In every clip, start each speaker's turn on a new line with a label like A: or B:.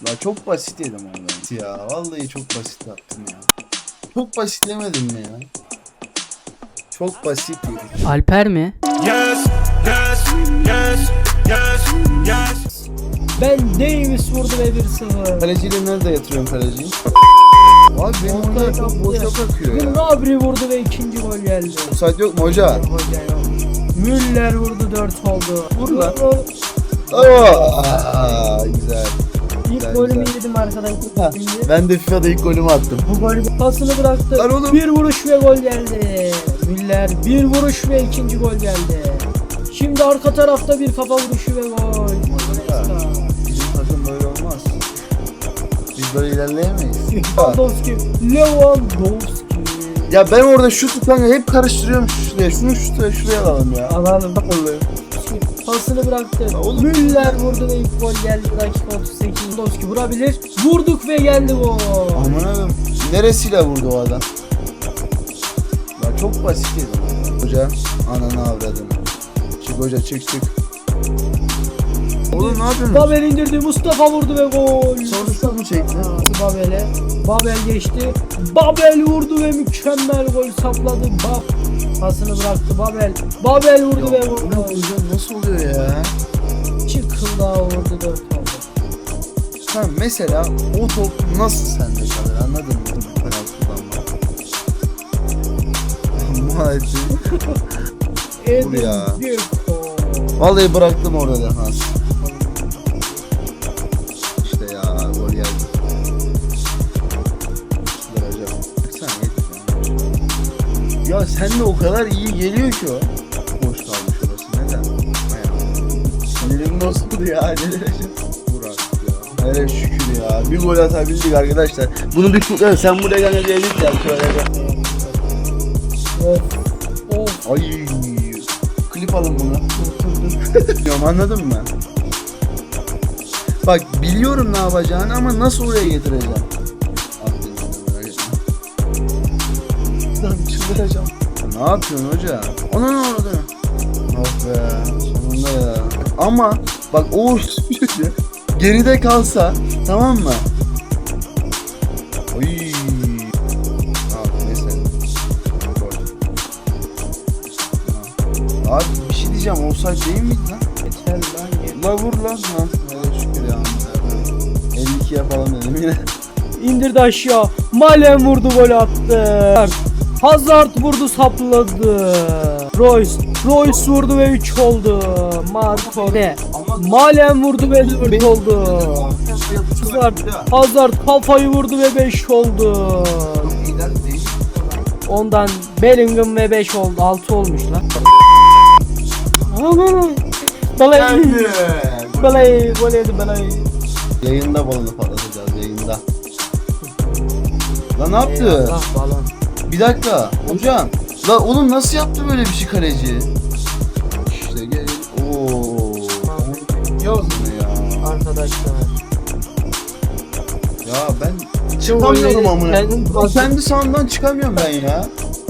A: Ya çok basit yedim orada. Ya vallahi çok basit yaptım ya. Çok basitlemedim mi ya? Çok basit yedik.
B: Alper mi?
C: Yes, yes, yes, yes, yes.
B: Ben Davis vurdu ve 1-0.
A: Kaleciyle nerede yatırıyorum kaleciyi? Abi benim orada çok boşa bakıyor ya.
B: Gnabry vurdu ve ikinci gol geldi.
A: Offside yok mu hoca?
B: Müller vurdu 4 oldu.
A: Vur lan. Güzel.
B: İlk
A: Güzel,
B: golümü
A: güzel.
B: yedim arkadaşlar.
A: Ha, ben de FIFA'da ilk golümü attım.
B: Bu golü pasını bıraktı.
A: Lan oğlum.
B: Bir vuruş ve gol geldi. Müller bir vuruş ve ikinci gol geldi. Şimdi arka tarafta bir kafa vuruşu ve gol.
A: Bizim takım böyle olmaz. Biz böyle ilerleyemeyiz.
B: Lewandowski. Lewandowski.
A: Ya ben orada şutu kanka hep karıştırıyorum şuraya. Şunu şuraya alalım ya.
B: Alalım.
A: Vallahi.
B: Pasını bıraktı.
A: oğlum.
B: Müller vurdu ve ilk gol geldi. Dakika 38. Lewandowski vurabilir. Vurduk ve geldi gol.
A: Aman abim. Neresiyle vurdu o adam? Ya çok basit yedim. Hoca ananı avradım. Çık hoca çık. Oğlum ne yapıyorsun?
B: Babel indirdi. Mustafa vurdu ve gol.
A: Sonuçta mı çekti?
B: Babel'e. Babel geçti. Babel vurdu ve mükemmel gol sapladı. Pasını bıraktı Babel. Babel vurdu ve
A: Ya,
B: gol.
A: bu ne hocam nasıl oluyor ya?
B: Çıkıldağı vurdu 4 oldu.
A: Ha mesela o top nasıl sende kalır anladın mı? Penaltı kullanma. Maalesef. Vur ya. Vallahi bıraktım orada defans. İşte ya gol geldi. İşte hocam. Baksana ya sen de o kadar iyi geliyor ki o. Boş kalmış orası neden? Sinirim bozuldu ya. Vur artık ya. Hele şükür ya. Bir gol atabildik arkadaşlar. Bunu bir kutlayalım. Sen buraya gel diyelim ya. Şöyle gel.
B: Of.
A: Ay. Klip alın bunu. Biliyorum anladın mı? Bak biliyorum ne yapacağını ama nasıl oraya getireceğim? Lan çıldıracağım. Ne yapıyorsun hoca? Ona ne oldu? Oh be sonunda ya. Ama bak o geride kalsa tamam mı? Oy. Neyse. Abi bir şey diyeceğim. Offside değil miydi lan?
B: Yeter lan yeter.
A: La vur lan. Ha, evet şükür ya. 52 yapalım dedim yine.
B: İndirdi aşağı. Malen vurdu gol attı. Hazard vurdu sapladı. Royce vurdu ve 3 oldu. Marco ne? Malen vurdu ve 4 oldu. Hazard kafayı vurdu ve 5 oldu. Ondan Bellingham ve 5 oldu. 6 olmuş lan. Balay gol yedi balay.
A: Yayında balonu patlatacağız yayında. Lan ne yaptı?
B: Eyvallah, balon.
A: Bir dakika hocam. La oğlum nasıl yaptı böyle bir şey kaleci? İşte gel. Ooo. Yaz ne ya?
B: Arkadaşlar.
A: Ya ben çıkamıyorum amına. Kendi sahamdan çıkamıyorum ben ya.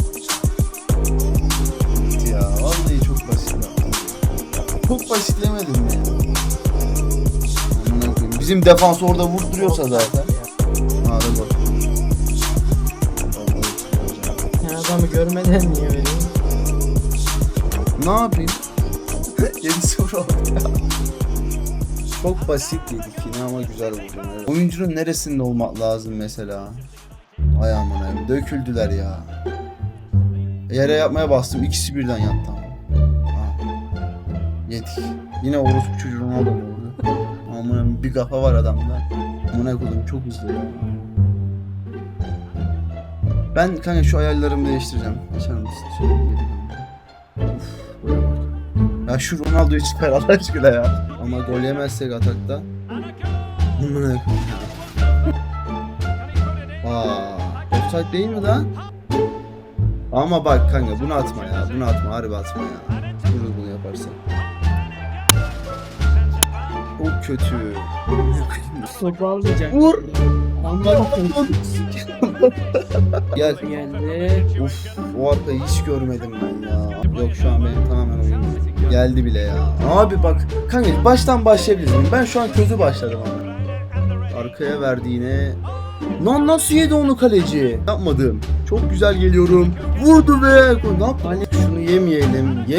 A: Ya vallahi çok basit yaptım. Çok basitlemedim ya. Amına koyayım. Bizim defans orada vurduruyorsa zaten. Hadi bak.
B: Ya adamı görmeden niye veriyor?
A: Ne yapayım? 7-0 oldu ya. Çok basit yedik yine ama güzel oldu. Evet. Oyuncunun neresinde olmak lazım mesela? Ay aman ay döküldüler ya. Yere yapmaya bastım ikisi birden yattı ama. Yedik. Yine orospu çocuğun adam oldu. Aman bir kafa var adamda. Aman koydum çok hızlı ya. Ben kanka şu ayarlarımı değiştireceğim. Açar mısın? Şöyle geri dön. Uf, buraya bak. Ya şu Ronaldo'yu çıkar Allah aşkına ya. Ama gol yemezsek atakta. Amına koyayım ya. Offside değil mi lan? Ama bak kanka bunu atma ya. Bunu atma harbi atma ya. Vurur bunu yaparsan. O kötü.
B: Toparlayacak.
A: Vur. Gel.
B: Geldi.
A: Uf, o arkayı hiç görmedim ben ya. Yok şu an benim tamamen oyunum geldi bile ya. Abi bak kanka baştan başlayabiliriz. Ben şu an közü başladım ama. Arkaya verdi yine. Lan nasıl yedi onu kaleci? Yapmadım. Çok güzel geliyorum. Vurdu be. Ne yap? Hani şunu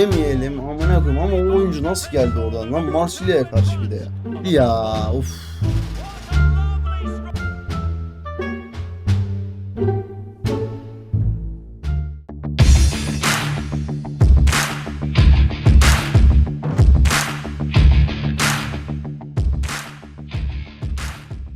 A: yemeyelim. Amına koyayım ama o oyuncu nasıl geldi oradan? Lan Marsilya'ya karşı bir de ya. Ya of.